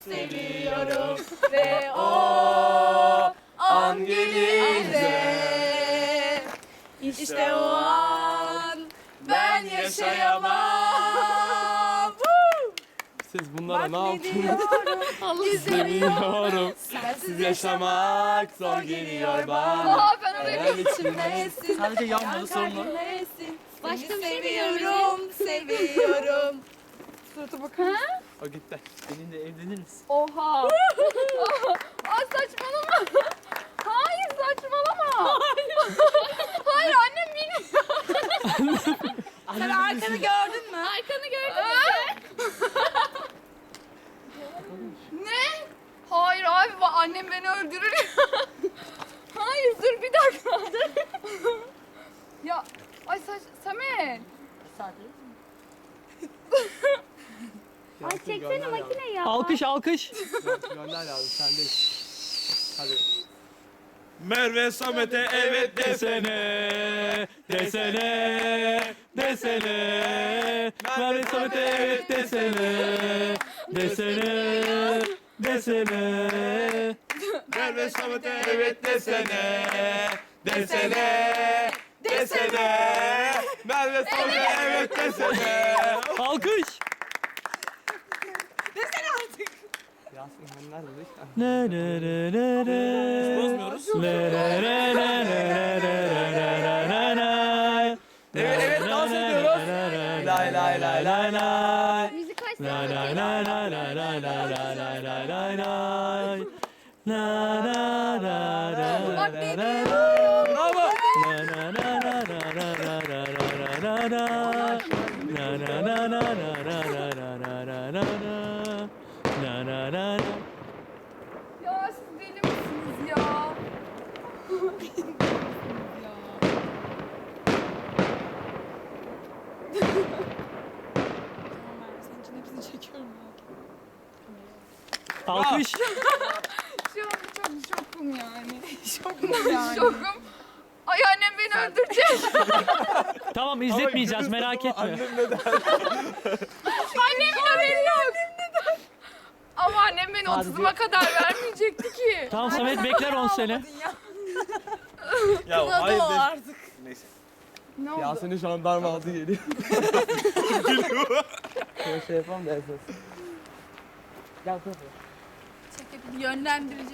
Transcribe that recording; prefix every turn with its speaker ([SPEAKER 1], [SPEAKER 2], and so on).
[SPEAKER 1] Seviyorum ve o an gelince işte o an ben yaşayamam.
[SPEAKER 2] Siz bunlara ne yaptınız?
[SPEAKER 1] İzlemiyorum.
[SPEAKER 2] Sensiz yaşamak zor geliyor bana.
[SPEAKER 1] Aa, ben oraya bir içimdesin.
[SPEAKER 3] Sadece yanmadı sorun o.
[SPEAKER 1] Başka bir şey seviyorum, seviyorum. Surata bakın.
[SPEAKER 2] O gitti.
[SPEAKER 3] Seninle evlenir misin?
[SPEAKER 1] Oha. Aa, saçmalama. Hayır, saçmalama. Hayır, annem bilmiyor. Sen arkanı gördün mü? Arkanı gördün mü? Ne? Hayır abi, annem beni öldürür. Hayır, dur bir dakika. Ya, ay Samet.
[SPEAKER 4] Ay çeksene makine ya.
[SPEAKER 3] Alkış alkış.
[SPEAKER 2] Gönder abi sendeyiz. Hadi. Merve Samet'e evet desene. Desene. Desene. Merve Samet'e evet desene. Desene. Desene. Merve Samet'e evet desene. Desene. Desene. Merve Samet'e evet desene.
[SPEAKER 3] Alkış.
[SPEAKER 2] Yasin ben nerede?
[SPEAKER 3] Ne ne ne ne ne.
[SPEAKER 2] Bozmuyoruz.
[SPEAKER 3] Ne ne ne ne ne ne ne.
[SPEAKER 2] Evet evet dans ediyoruz. Lay lay lay lay lay.
[SPEAKER 4] Müzik kaç
[SPEAKER 3] Lay lay lay lay lay lay lay lay lay lay lay lay. La la la la
[SPEAKER 1] Bak
[SPEAKER 3] la
[SPEAKER 1] ne
[SPEAKER 3] la
[SPEAKER 1] diyor?
[SPEAKER 2] Bravo.
[SPEAKER 3] la la la la la la la la la la la. La la la la la la la la la la la la. La la la la.
[SPEAKER 1] Ya siz deli misiniz ya?
[SPEAKER 3] Alkış.
[SPEAKER 1] Şu an çok şokum yani. Şokum yani. Şokum. Ay, annem beni öldürecek.
[SPEAKER 3] Tamam izletmeyeceğiz merak etme.
[SPEAKER 2] Annem neden?
[SPEAKER 1] Annemin haberi yok. Ama annem beni
[SPEAKER 3] Hadi
[SPEAKER 1] 30'uma kadar vermeyecekti ki.
[SPEAKER 3] Tamam Samet bekler 10 sene.
[SPEAKER 2] Ya hayır de.
[SPEAKER 1] Artık.
[SPEAKER 2] Neyse.
[SPEAKER 1] Ne oldu?
[SPEAKER 2] Yasin'in jandarma aldı geliyor.
[SPEAKER 3] Şey yapalım da esas. Gel kapı.
[SPEAKER 1] Yönlendirici.